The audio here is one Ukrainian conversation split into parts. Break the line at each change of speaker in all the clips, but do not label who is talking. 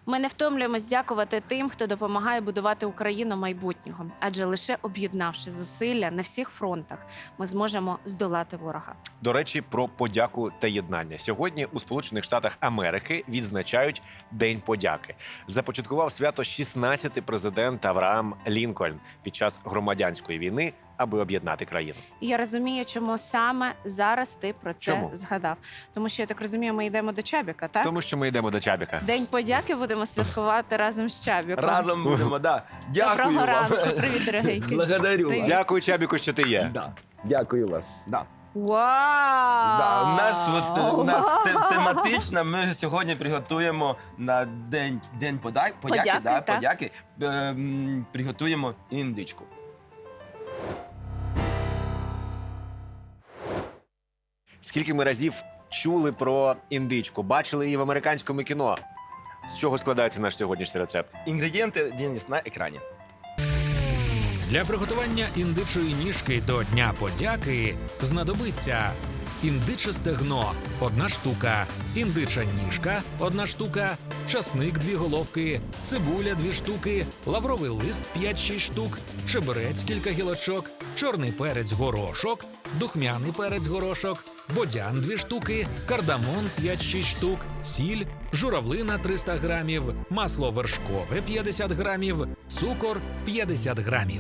Ми не втомлюємось дякувати тим, хто допомагає будувати Україну майбутнього. Адже лише об'єднавши зусилля на всіх фронтах, ми зможемо здолати ворога.
До речі, про подяку та єднання. Сьогодні у Сполучених Штатах Америки відзначають День подяки. Започаткував свято 16-й президент Авраам Лінкольн під час громадянської війни, аби об'єднати країну.
І я розумію, чому саме зараз ти про це
Чому?
згадав. Тому що, я так розумію, ми йдемо до Чабіка, так?
Тому що ми йдемо до Чабіка.
День подяки будемо святкувати разом з Чабіком.
Разом будемо, да. Дякую
Доброго
вам.
ранку. Привіт, дорогенький.
Благодарю
Привіт.
вас.
Дякую, Чабіку, що ти є.
Да. Дякую вас. Да.
Вау!
Да, у нас тематично, ми сьогодні приготуємо на День подяки,
Подяки,
да,
так.
подяки приготуємо індичку.
Скільки ми разів чули про індичку, бачили її в американському кіно. З чого складається наш сьогоднішній рецепт?
Інгредієнти, Денис, на екрані.
Для приготування індичої ніжки до Дня подяки знадобиться індиче стегно – 1 штука, індича ніжка – 1 штука, часник – 2 головки, цибуля – 2 штуки, лавровий лист – 5-6 штук, чебрець – кілька гілочок, чорний перець – горошок, духмяний перець – горошок, бодян – 2 штуки, кардамон – 5-6 штук, сіль, журавлина – 300 грамів, масло вершкове – 50 грамів, цукор – 50 грамів.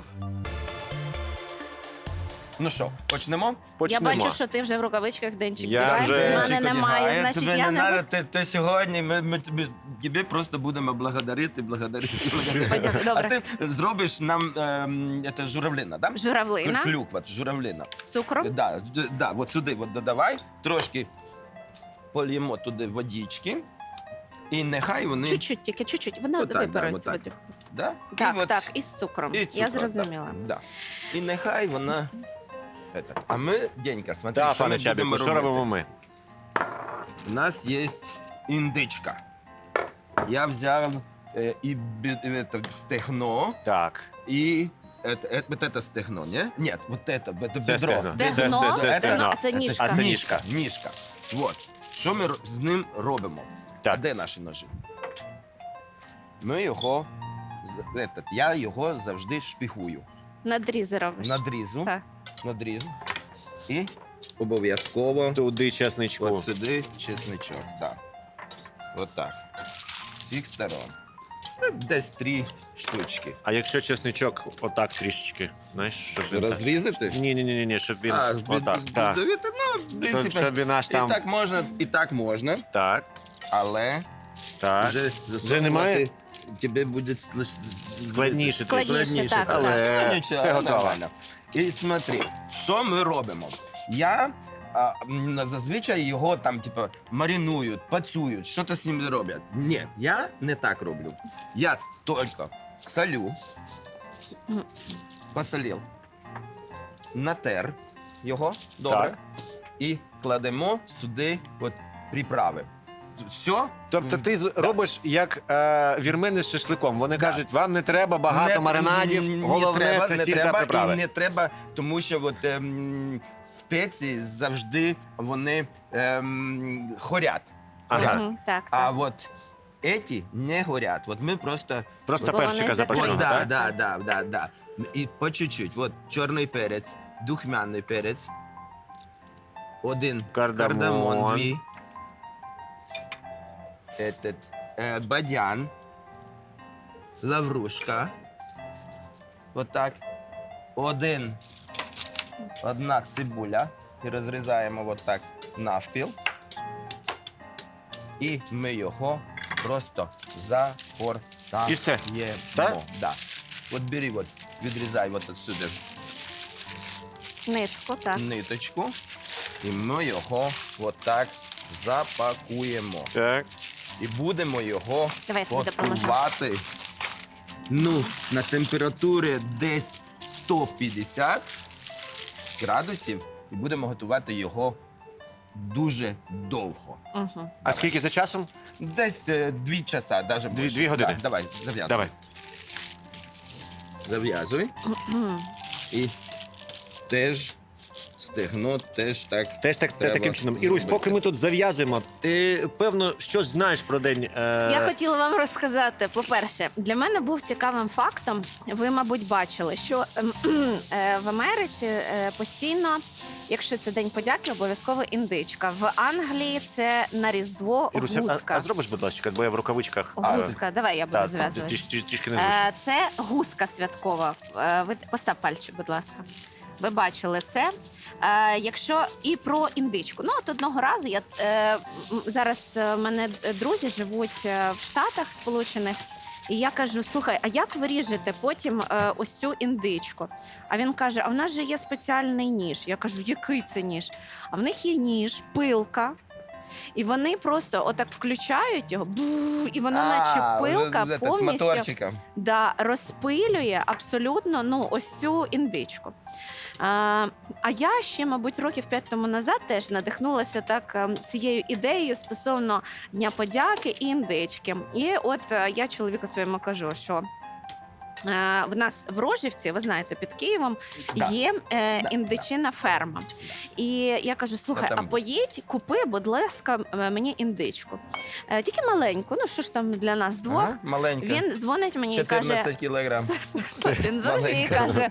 Ну що, почнемо?
Я
Почнемо.
бачу, що ти вже в рукавичках, Денчик.
Я
Давай.
вже-
У мене
Денчик
немає,
одягає,
значить
тебе
я
не
не
надо, ти сьогодні, ми тебе просто будемо благодарити.
Подяку,
А
добре.
ти зробиш нам це журавлина, да?
Журавлина
Клюква, журавлина.
з цукром.
Да, от сюди от додавай, трошки польємо туди водички, і нехай вони...
Чуть-чуть, тільки чуть-чуть. Вона
Отак, да,
вибереться.
отак. Да?
Так,
І от-
так, і з цукром.
і
Я
цукор,
зрозуміла.
Да. І нехай вона... А ми, Денька, смотри,
Так,
що
пане
ми будемо
Чабіку, що
робити.
робимо ми?
У нас є індичка. Я взяв стегно
Так.
и это стегно, не? Нет, вот это
Це
бедро.
стегно.
Стегно,
Це
стегно, а це ніжка.
А це ніжка.
Ніжка. Вот. Що ми з ним робимо?
Так.
А де наші ножі? Ми його, я його завжди шпігую.
Надрізи робиш.
Надрізу.
Так.
Надрізу. І обов'язково
Туди чесничку.
от сюди чесничок. Так. От так. З всіх сторон. Десь 3 штучки.
А якщо чесничок отак трішечки, знаєш, щоб він так...
Розрізати?
Ні, щоб він отак, так.
Ну, в принципі,
Щоб він аж там...
і так можна,
Так,
але
так.
вже
немає?
Тебе буде
Складніше трішки.
Складніше, так,
Але
Ну, нічого,
все готово.
нормально. І смотри, що ми робимо? Я зазвичай його там, типу, маринують, пацюють, що то з ним роблять. Ні, я не так роблю. Я тільки солю,
Мгм.
посолив, натер його добре
Так.
і кладемо сюди от приправи. Все.
Тобто ти робиш як вірмени з шашликом. Вони
Да.
кажуть, вам не треба багато маринадів, головне це сіль та
і
приправи.
не треба, тому що от, спеції завжди вони горять.
Ага.
Мгм, так,
А
так.
от ці не горять. От ми просто...
Просто
Бо вони
перчика
закриті.
запашного,
Да,
так?
да. І по чуть-чуть. От чорний перець, духмяний перець, 1
Кардамон.
кардамон, 2, бадян, лаврушка, вот так, 1 цибуля, і розрізаємо вот так навпіл, і ми його просто загортаємо.
І все? Так?
Да. От бери, от, відрізай от отсюди
Нитку, так.
ниточку, і ми його от так запакуємо.
Так.
І будемо його
Давай, я тобі допоможу.
готувати, ну, на температурі десь 150 градусів, і будемо готувати його дуже довго.
Угу.
А скільки за часом?
Десь 2 часа, навіть більше.
2 години?
Да, давай, зав'язуй.
Давай.
Зав'язуй. І теж стегно теж так.
Теж так,
Треба
таким чином. Ірусь,
зробити.
поки ми тут зав'язуємо, ти, певно, щось знаєш про день.
Я хотіла вам розказати. По-перше, для мене був цікавим фактом. Ви, мабуть, бачили, що в Америці постійно, якщо це День подяки, обов'язково індичка. В Англії це на Різдво
Ірусь,
гуска.
а зробиш, будь ласка, бо я в рукавичках.
Гуска, давай я буду
Так,
зв'язувати.
трішки не зручно.
Це гуска святкова. Ви постав пальчик, будь ласка. Ви бачили це. Якщо і про індичку. Ну, от одного разу я зараз в мене друзі живуть в Штатах Сполучених, і я кажу: слухай, а як ви ріжете потім ось цю індичку? А він каже: а в нас же є спеціальний ніж. Я кажу: який це ніж? А в них є ніж, пилка. І вони просто отак включають його, і воно, наче пилка,
вже, з
повністю
моторчиком.
розпилює абсолютно ось цю індичку. А я ще, мабуть, років 5 тому назад теж надихнулася так цією ідеєю стосовно Дня подяки і індички. І от я чоловіку своєму кажу, що в нас в Рожівці, ви знаєте, під Києвом
Да.
є індичина ферма. І я кажу: слухай,
Я там
а поїдь, купи, будь ласка, мені індичку. Тільки маленьку, ну що ж там для нас двох.
Ага, маленька.
Він дзвонить мені і каже:
14 кілограм.
він дзвонить мені і
Маленька.
каже: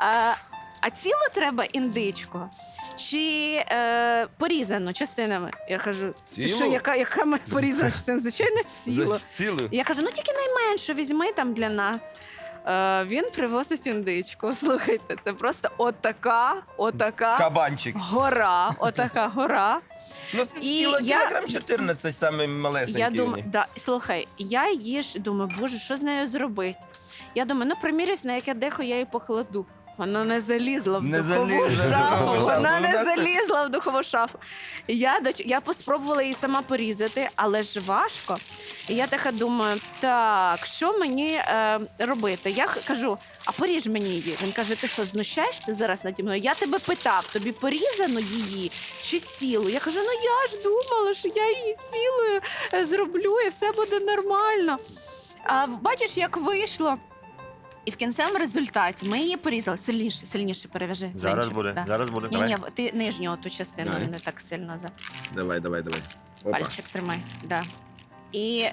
а цілу треба індичку? Чи порізану частинами? Я кажу: ти
Цілу?
що, яка ми порізана частина? Звичайно, цілу.
Цілу?
Я кажу: ну тільки найменшу візьми там для нас. Він привозить індичку. Слухайте, це просто отака
Кабанчик.
гора. Отака гора.
Ну,
І
кілограм 14 саме малесенький.
Я
у
думаю,
них.
да, слухай, я її ж думаю, боже, що з нею зробити? Я думаю, ну примірюсь, на яке дехо я її покладу. Вона не залізла в
Не
духову
залізла в
шафу.
духову шафу.
Вона не
Вона
залізла в духову шафу. Я поспробувала її сама порізати, але ж важко. І я така думаю: так, що мені робити? Я кажу: а поріж мені її. Він каже: ти що, знущаєшся зараз наді мною? Я тебе питав, тобі порізано її чи цілу? Я кажу: ну я ж думала, що я її цілою зроблю і все буде нормально. А бачиш, як вийшло? І в кінцевому результаті ми її порізали. Сильніше перев'яжи.
Зараз
Денчик,
буде,
да.
зараз буде.
Ні,
Давай.
ні, ти нижню ту частину
Давай.
не так сильно за
Давай. Опа.
пальчик тримай. Да. І,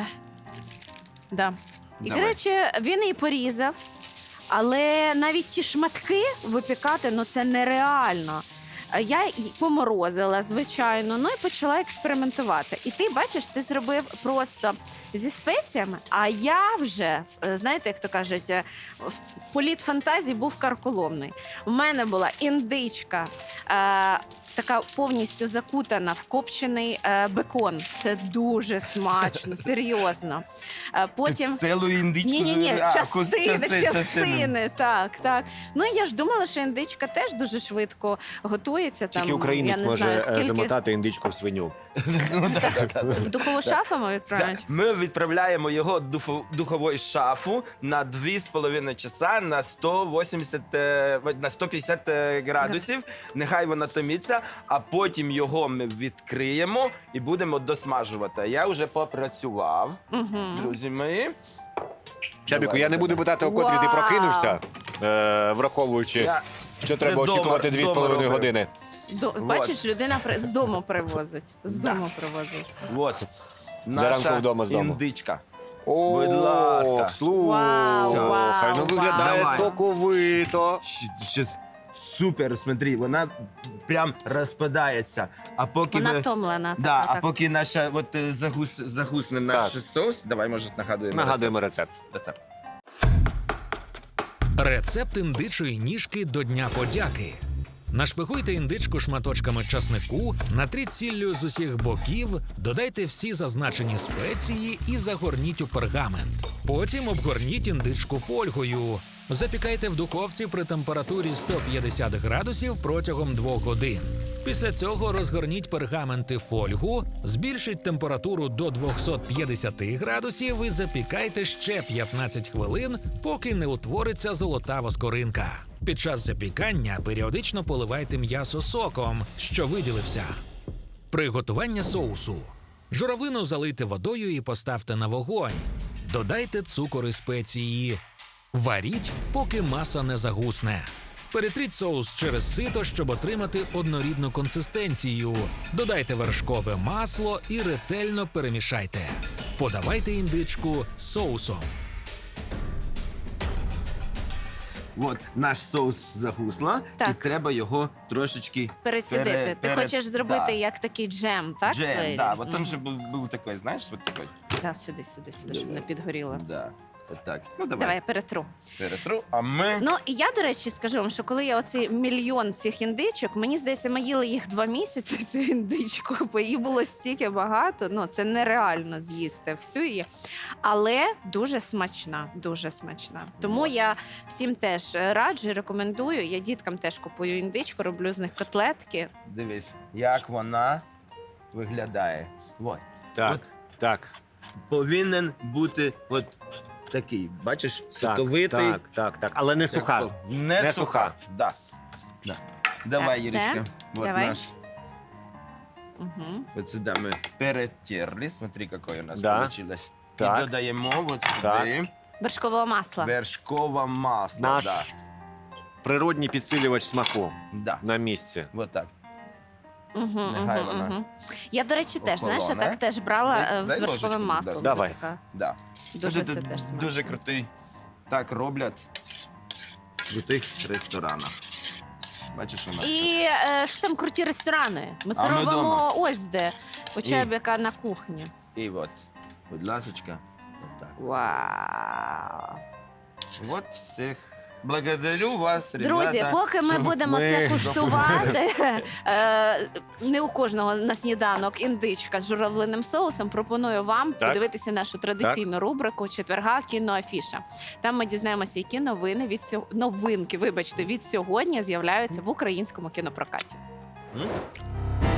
да. І,
Давай.
коротше, він її порізав, але навіть ті шматки випікати, ну це нереально. Я її поморозила, звичайно, ну і почала експериментувати. І ти, бачиш, ти зробив просто зі спеціями, а я вже, знаєте, як то кажуть, політ фантазії був карколомний. У мене була індичка, така повністю закутана в копчений бекон. Це дуже смачно, серйозно. Потім...
Цілу індичку?
Ні,
А,
частини, так. Ну і я ж думала, що індичка теж дуже швидко готується.
Тільки
там,
українець
я не
може
знаю, скільки
замотати індичку в свиню.
Ну,
в духову шафу ми відправляють.
Ми відправляємо його в духову шафу на 2,5 часа на 150 градусів. Нехай вона томиться, а потім його ми відкриємо і будемо досмажувати. Я вже попрацював,
Угу.
друзі мої.
Чабіку,
Давай,
я не буду
давай.
питати, о котрій ти
Вау!
прокинувся, враховуючи,
Я-
що треба
дома-
очікувати
дома
2,5
робив.
години.
Бачиш, людина з дому привозить. З
Да.
дому привозить.
От.
Зранку
Наша
вдома з дому.
індичка.
О,
Будь ласка.
Вау,
Слухай, ну
вау,
виглядає
вау.
соковито.
Щас супер, смотри, вона прям розпадається. А поки
Вона
ми...
втомлена.
Да,
така,
а поки наша загусне наш
Так.
соус, давай, може, нагадуємо.
Нагадуємо рецепт.
рецепт.
Рецепт індичої ніжки до Дня подяки. Нашпигуйте індичку шматочками часнику, натріть сіллю з усіх боків, додайте всі зазначені спеції і загорніть у пергамент. Потім обгорніть індичку фольгою. Запікайте в духовці при температурі 150 градусів протягом 2 годин. Після цього розгорніть пергаменти фольгу, збільшіть температуру до 250 градусів і запікайте ще 15 хвилин, поки не утвориться золотава скоринка. Під час запікання періодично поливайте м'ясо соком, що виділився. Приготування соусу. Журавлину залийте водою і поставте на вогонь. Додайте цукор і спеції. Варіть, поки маса не загусне. Перетріть соус через сито, щоб отримати однорідну консистенцію. Додайте вершкове масло і ретельно перемішайте. Подавайте індичку з соусом.
От наш соус загусло, і
Так.
треба його трошечки
Перецідити. Ти хочеш зробити
да.
як такий джем, так?
Джем,
Слейлі?
да. Вот он
Мгм.
же був такой, знаєш, вот такой.
Да, сюди, щоб не підгоріло.
Да. От так. Ну,
Давай
давай.
я перетру.
Перетру, а ми...
Ну і я, до речі, скажу вам, що коли я оцей мільйон цих індичок, мені здається, ми їли їх 2 місяці, цю індичку, бо її було стільки багато. Ну це нереально з'їсти всю її. Але дуже смачна, дуже смачна. Тому я всім теж раджу, рекомендую. Я діткам теж купую індичку, роблю з них котлетки.
Дивись, як вона виглядає. Вот.
Так,
От
так,
повинен бути от такий, бачиш, соковитий.
так. Але не суха.
Не,
Не
суха.
суха.
Да. Да. Давай,
все.
Юрочка. Вот
Давай.
наш.
Угу.
Вот сюда мы перетерли. Смотри, какое у нас
Да.
получилось.
Так.
І додаємо вот
Так.
сюди
Вершкового масла.
вершкове масло.
Наш
Да.
природній підсилювач смаку
Да.
на місці.
Вот так.
Угу,
Нехай вона
Я, до речі, теж, знаєш, я
охолоне.
так теж брала
Дай-
з
дай
вершковим
ложечку,
маслом.
будь
ласка.
Така.
Да.
Дуже це
Це
теж смачно.
дуже крутий. Так роблять в крутих ресторанах. Бачиш, у нас
І що там круті ресторани? Ми це
А ми
робимо
дома.
ось де. У Чебіка на кухні.
тут. І от, будь ласочка, от так.
Вау.
От всіх. Благодарю вас,
Друзі,
ребята.
поки ми
що
будемо
ми
це куштувати, не у кожного на сніданок індичка з журавлиним соусом, пропоную вам
Так.
подивитися нашу традиційну рубрику четверга кіноафіша. Там ми дізнаємося, які новини новинки, вибачте, від сьогодні з'являються в українському кінопрокаті.
М?